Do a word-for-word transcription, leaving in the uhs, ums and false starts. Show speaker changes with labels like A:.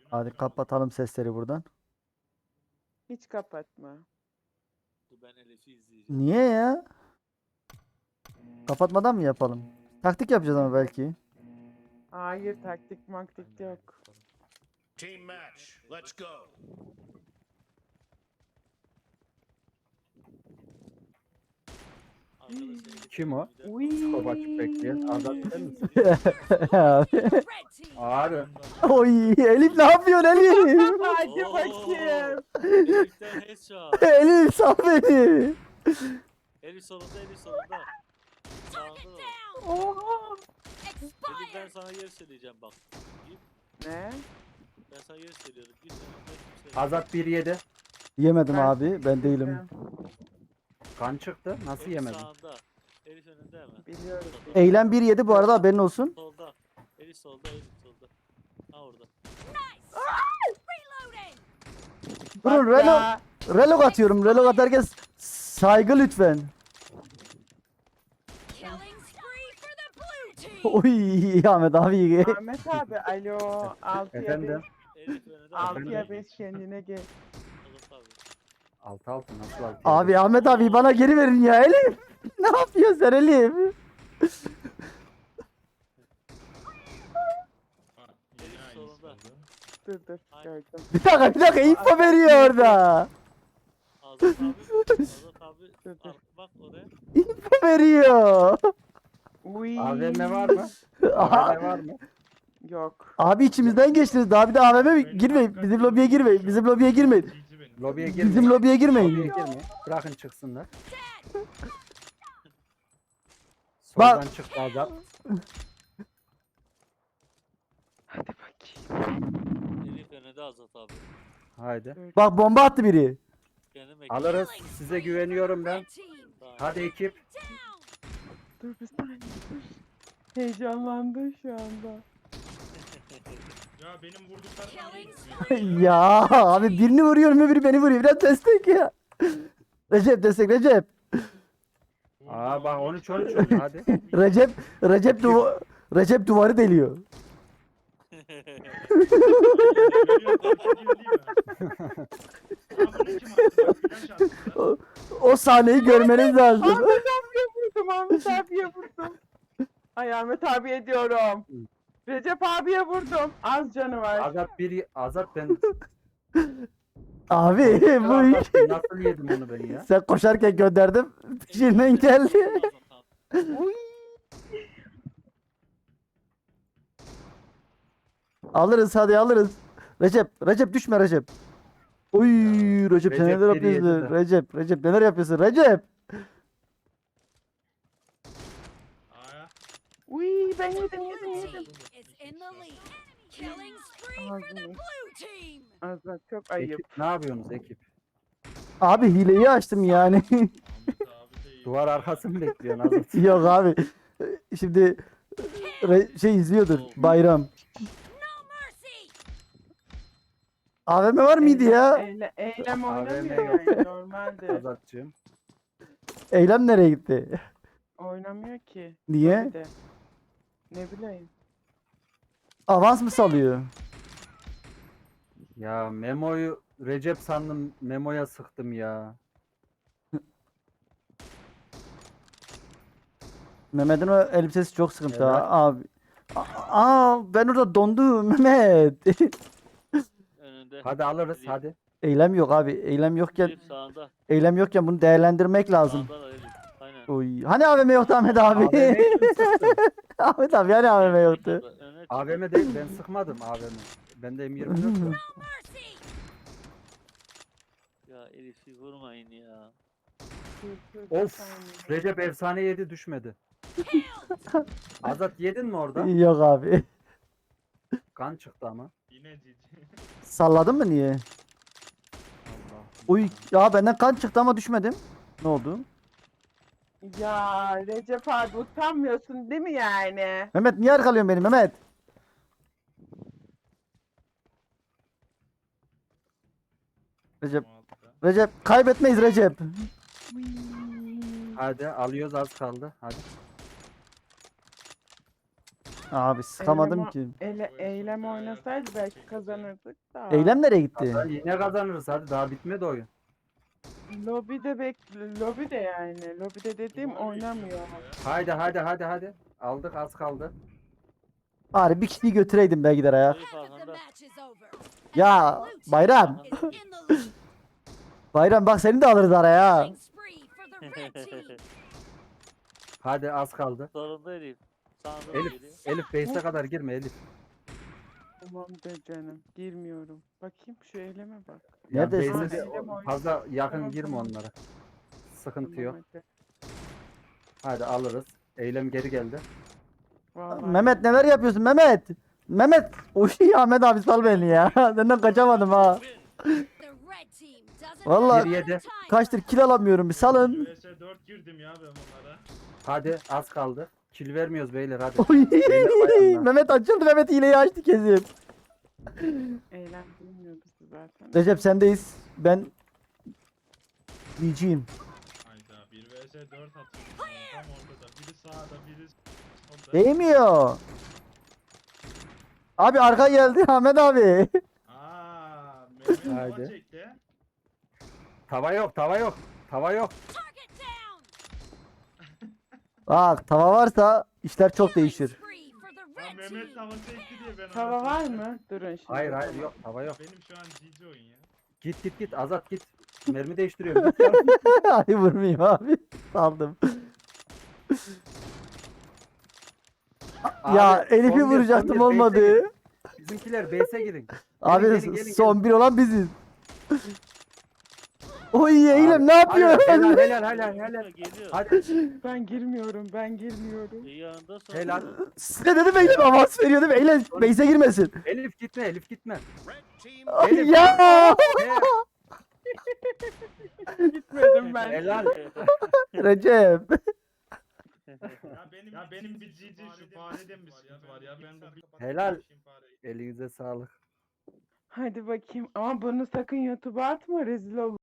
A: Hadi kapatalım sesleri buradan.
B: Hiç kapatma.
C: Dur ben Elif'i izleyeceğim.
A: Niye ya? Kapatmadan mı yapalım? Taktik yapacağız ama belki.
B: Hayır, taktik maktik yok.
D: Team match. Let's go.
C: Arkadaşlar Elif
E: Kim o?
C: bir de-
B: Uy.
E: Skop açıp bekleyen Azat sen misin?
A: Abi.
E: Abi.
A: Oy Elif ne yapıyorsun Elif?
B: Hadi
C: Oo.
B: bakayım.
C: Elif'ten headshot.
A: Elif sal beni.
C: Elif solunda, Elif solunda. Sağında da.
B: Oha.
C: Elif ben sana yer söyleyeceğim bak. Git.
B: Ne?
C: Ben sana yer söylüyorum. Git önümde kimse.
E: Azat bir yedi.
A: Yemedim
B: Ben-
A: abi ben değilim.
E: Kan çıktı. Nasıl
C: Elif
E: yemedin?
C: sağında. Elif önünde hemen.
B: Biliyorum.
A: Eylem bir yedi bu arada haberin olsun.
C: Solda. Elif solda, Elif solda. Ha orada.
A: Durun
B: Bak
A: relo,
B: ya.
A: relog atıyorum. Relog atarken s- saygı lütfen. Oy Ahmet abi.
B: Ahmet abi alo. Altıya
E: Efendim?
B: beş.
C: Elif önünde.
B: Altıya
C: Elif.
B: beş kendine gel.
C: Olur tabii.
E: Altı altı nasıl altı?
A: Abi Ahmet abi bana geri verin ya Elif. Ne yapıyorsun sen Elif?
C: Elif solunda.
B: Dur dur
C: Aynen.
B: gördüm.
A: Bir dakika bir dakika info veriyor orada.
C: Azat abi. Azat abi.
B: Dur, dur.
C: Al, bak oraya.
A: İnfo veriyor.
B: Uy.
E: A V M var mı?
A: Aha.
E: A V M var mı?
B: Yok.
A: Abi içimizden geçtiniz. Daha bir de A V M girmeyin. Bizim lobiye girmeyin. Bizim lobiye girmeyin.
E: Lobiye girmeyin.
A: Bizim lobiye
E: Lobiye
A: girmeyin.
E: girmeyin. Bırakın çıksınlar.
A: Bak-
E: Soldan çıktı Azat.
B: Hadi bakayım.
C: Elif önünde Azat abi.
E: Haydi.
A: Bak bomba attı biri.
C: Kendim ekledim.
E: Alırız. Size güveniyorum ben. Hadi ekip.
B: Dur bir saniye dur. Heyecanlandı şu anda.
F: Ya benim vurduklarım
A: Ya abi birini vuruyorum öbürü beni vuruyor. Biraz destek ya. Recep destek Recep.
E: Aa bak on üç on üç oldu hadi.
A: Recep Recep duva Recep duvarı deliyor. O, o sahneyi görmeniz lazım.
B: Ahmet abiye vurdum, Ahmet abiye vurdum. Ay Ahmet abiye diyorum. Recep abiye vurdum. Az canı var.
E: Azat bir Azat ben
A: Abi bu iş.
E: Azat, nasıl yedim onu ben ya?
A: Sen koşarken gönderdim. Peşinden geldi.
B: Uy.
A: Alırız hadi alırız. Recep Recep düşme Recep. Oy Recep sen
E: Recep
A: neler
E: geri yedi
A: yapıyorsun?
E: de.
A: Recep Recep neler yapıyorsun? Recep.
B: Uy ben yedim yedim yedim. Azat çok ayıp.
E: Ekip ne yapıyorsunuz ekip?
A: Abi hileyi açtım yani.
E: Duvar arkası mı bekliyorsun Azat?
A: Yok abi. Şimdi re- şey izliyordur bayram. A V M var mıydı ya?
B: Eyle, eylem
E: A V M
B: oynamıyor
E: yok.
B: yani normalde.
E: Azatçığım.
A: Eylem nereye gitti?
B: Oynamıyor ki.
A: Niye?
B: Bir de. Ne bileyim.
A: Avans mı salıyor?
E: Ya Memo'yu Recep sandım Memo'ya sıktım ya.
A: Mehmet'in o elbisesi çok sıkıntı
E: Evet.
A: ha abi. Aa, aa, ben orada dondum Mehmet.
C: Önünde.
E: Hadi alırız
C: Elif.
E: hadi.
A: Eylem yok abi. Eylem yokken
C: Elif sağında.
A: eylem yokken bunu değerlendirmek lazım.
C: Sağında da Elif. Aynen.
A: Oy. Hani A V M yoktu Ahmet abi?
E: A V M kim sıktı?
A: Ahmet abi hani A V M yoktu?
C: Öne çık.
E: A V M değil ben sıkmadım A V M. Bende M yirmi dört var.
C: Ya Elif'i vurmayın ya.
B: Dur, dur, bir
E: Of
B: saniye.
E: Recep efsane yedi düşmedi. Azat yedin mi orada?
A: Yok abi.
E: Kan çıktı ama.
F: Yine cici.
A: Salladın mı niye?
E: Allah.
A: Uy ya benden kan çıktı ama düşmedim. Ne oldu?
B: Ya Recep abi utanmıyorsun değil mi yani?
A: Mehmet niye arkalıyorsun beni Mehmet? Recep Recep kaybetmeyiz Recep.
E: Hadi alıyoruz az kaldı. Hadi.
A: Abi sıkamadım
B: Eylem-
A: ki.
B: Ele, eylem oynasaydı belki kazanırdık da.
A: Eylem nereye gitti?
E: Hatta yine kazanırız hadi daha bitmedi oyun.
B: Lobide bek lobide yani. Lobide dediğim
F: Duvar
B: oynamıyor.
F: bekliyor
E: Haydi hadi hadi hadi. Aldık az kaldı.
A: Bari bir kişiyi götüreydim belki de ya.
C: Zayıf arkanda.
A: Ya Bayram. Bayram bak seni de alırız araya.
E: Hadi az kaldı.
C: Sonunda Elif. Sağında
E: Elif,
C: geliyor.
E: Elif base'e kadar girme Elif.
B: Tamam de canım. Girmiyorum. Bakayım şu eyleme bak.
E: Ya
A: Neredesin?
E: base'e de
B: Eylem oynuyor.
E: fazla yakın
B: Tamam,
E: girme
B: tamam.
E: onlara. Sıkıntı
B: Tamam,
E: yok.
B: hadi.
E: Hadi alırız. Eylem geri geldi.
B: Vallahi.
A: Mehmet neler yapıyorsun Mehmet? Mehmet. Oy Ahmet abi sal beni ya. Senden kaçamadım ha. Vallahi
E: Bir yedi.
A: kaçtır kill alamıyorum bir salın.
F: V S dört girdim ya ben bunlara.
E: Hadi az kaldı. Kill vermiyoruz beyler hadi.
A: Oy.
E: Beyler bayanlar.
A: Mehmet açıldı Mehmet hileyi açtı kesin.
B: Eylem bilmiyor bizi zaten.
A: Recep sendeyiz. Ben diyeceğim.
F: Hayda bir V S dört atıyor. Tam ortada. Biri sağda biri solda.
A: Değmiyor. Abi arka geldi Ahmet abi.
F: Aaa Mehmet hava
E: Haydi.
F: çekti.
E: Tava yok tava yok. Tava yok.
A: Bak tava varsa işler çok değişir.
F: Ha Mehmet hava çekti diye ben
B: Tava
F: ona
B: var
F: çektim.
B: mı? Durun şimdi.
E: Hayır hayır yok tava yok.
F: Benim şu an G G oyun ya.
E: Git git git Azat git. Mermi değiştiriyorum. Git ya.
A: Ay vurmayayım abi. Saldım. Ya
E: Abi,
A: Elif'i
E: son bir, son
A: vuracaktım
E: bir, base'e
A: olmadı.
E: girin. Bizimkiler base'e girin.
A: Abi
E: gelin, gelin,
A: son bir olan biziz. Oy Eylem ne yapıyor?
E: Hadi, helal helal helal helal.
C: Geliyor, geliyor.
E: Hadi
B: Ben girmiyorum. Ben girmiyorum.
C: İyi anda sonra.
E: helal.
A: Size dedim Eylem avans veriyor değil mi? Eylem base'e girmesin.
E: Elif gitme Elif gitme.
D: Red team
A: Ay
E: Elif,
A: ya.
B: Gitmedim ben.
E: Helal.
A: Recep.
F: Ya benim ya benim bir G G şu farede mi sıkıntı var ya ben bu bir
E: Helal. Elinize sağlık.
B: Hadi bakayım. Ama bunu sakın YouTube'a atma. Rezil olur.